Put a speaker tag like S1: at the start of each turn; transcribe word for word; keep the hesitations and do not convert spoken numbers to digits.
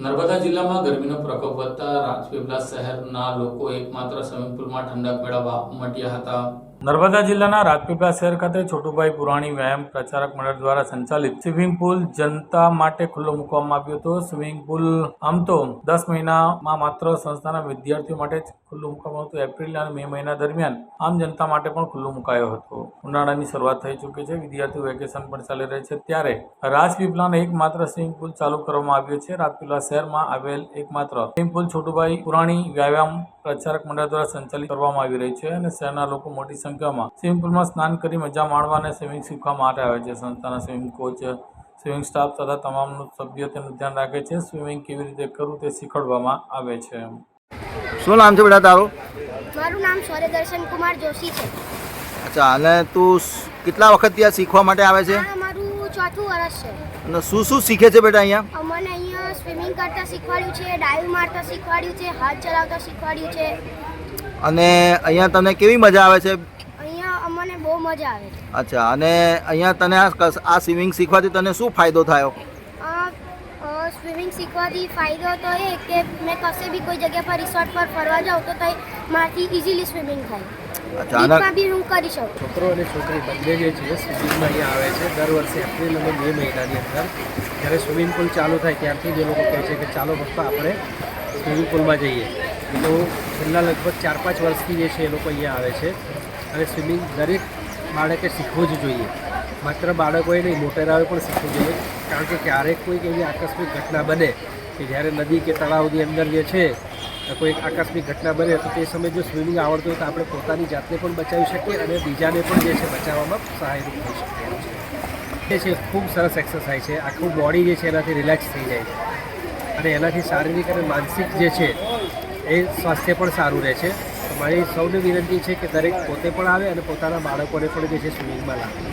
S1: નર્મદા જિલ્લામાં ગરમીનો પ્રકોપ વધતા રાજપીપળા શહેરના લોકો એકમાત્ર સ્વિમિંગ પુલમાં ઠંડક મેળવવા ઉમટ્યા હતા। નર્મદા જિલ્લાના રાજપીપળા શહેર ખાતે છોટુભાઈ પુરાણી વ્યાયામ પ્રચારક મંડળ દ્વારા સંચાલિત સ્વિમિંગ પુલ જનતા માટે ખુલ્લો મૂકવામાં આવ્યો હતો। સ્વિમિંગ પુલ આમ તો દસ મહિનામાં માત્ર સંસ્થાના વિદ્યાર્થીઓ માટે જ ખુલ્લું મૂકવામાં હતું। એપ્રિલ અને મે મહિના દરમિયાન આમ જનતા માટે પણ ખુલ્લું મુકાયો હતો। ઉનાળાની શરૂઆત થઈ ચૂકી છે, વિદ્યાર્થીઓ વેકેશન પણ ચાલી રહી છે, ત્યારે રાજપીપળાનો એકમાત્ર સ્વિમિંગ પુલ ચાલુ કરવામાં આવ્યો છે। રાજપીપળા શહેરમાં આવેલ એકમાત્ર સ્વિમિંગ પુલ છોટુભાઈ પુરાણી વ્યાયામ પ્રચારક મંડળ દ્વારા સંચાલિત કરવામાં આવી રહી છે અને શહેરના લોકો મોટી સંખ્યામાં સ્વિમિંગ પુલમાં સ્નાન કરી મજા માણવા અને સ્વિમિંગ શીખવા માટે આવે છે। સંસ્થાના સ્વિમિંગ કોચ, સ્વિમિંગ સ્ટાફ તથા તમામ સભ્યો તેનું ધ્યાન રાખે છે। સ્વિમિંગ કેવી રીતે કરવું તે શીખવાડવામાં આવે છે।
S2: શું નામ છે બેટા તારું?
S3: મારું નામ સૂર્યદર્શન કુમાર જોશી છે।
S2: અચ્છા, અને તું સ- કેટલા વખતથી આ શીખવા માટે આવે છે
S3: આ મારું ચોથું વર્ષ છે।
S2: અને શું શું શીખે છે બેટા અહીંયા?
S3: અમને અહીંયા સ્વિમિંગ કરતા શીખવાડ્યું છે, ડાઈવ મારતા શીખવાડ્યું છે, હાથ ચલાવતા શીખવાડ્યું છે।
S2: અને અહીંયા તને કેવી મજા આવે છે?
S3: અહીંયા અમને બહુ મજા આવે છે।
S2: અચ્છા, અને અહીંયા તને આ કસ- આ સ્વિમિંગ શીખવાથી તને શું ફાયદો થયો?
S3: આ સ્વિમિંગ શીખવાથી ફાયદો તો એ કે મેં કશે બી કોઈ જગ્યા પર રિસોર્ટ પર ફરવા જાઉં તો તઈ મારાથી ઇઝીલી સ્વિમિંગ થાય।
S2: અચ્છા, અને
S3: બીચમાં બી હું કરી શકું।
S4: છોકરો અને છોકરી બંને જે છે સ્વિમિંગમાં અહીંયા આવે છે દર વર્ષે એપ્રિલ અને મે મહિનાની અંદર જ્યારે સ્વિમિંગ પુલ ચાલુ થાય ત્યારથી જ એ લોકો કહે છે કે ચાલો પપ્પા આપણે સ્વિમિંગ પુલમાં જઈએ। તો છેલ્લા લગભગ ચાર પાંચ વર્ષથી જે છે એ લોકો અહીંયા આવે છે અને સ્વિમિંગ દરેક બાળકે શીખવું જ જોઈએ। માત્ર બાળકોએ નહીં, મોટેરાઓએ પણ શીખવું જોઈએ, કારણ કે ક્યારેક કોઈક એવી આકસ્મિક ઘટના બને કે જ્યારે નદી કે તળાવની અંદર જે છે કોઈ આકસ્મિક ઘટના બને તો તે સમયે જો સ્વિમિંગ આવડતું હોય તો આપણે પોતાની જાતને પણ બચાવી શકીએ અને બીજાને પણ જે છે બચાવવામાં સહાયરૂપ થઈ શકીએ છીએ। એ છે ખૂબ સરસ એક્સરસાઇઝ છે, આખું બોડી જે છે એનાથી રિલેક્સ થઈ જાય છે અને એનાથી શારીરિક અને માનસિક જે છે એ સ્વાસ્થ્ય પણ સારું રહે છે। તો મારી સૌને વિનંતી છે કે દરેક પોતે પણ આવે અને પોતાના બાળકોને પણ જે છે સ્વિમિંગમાં લાવે।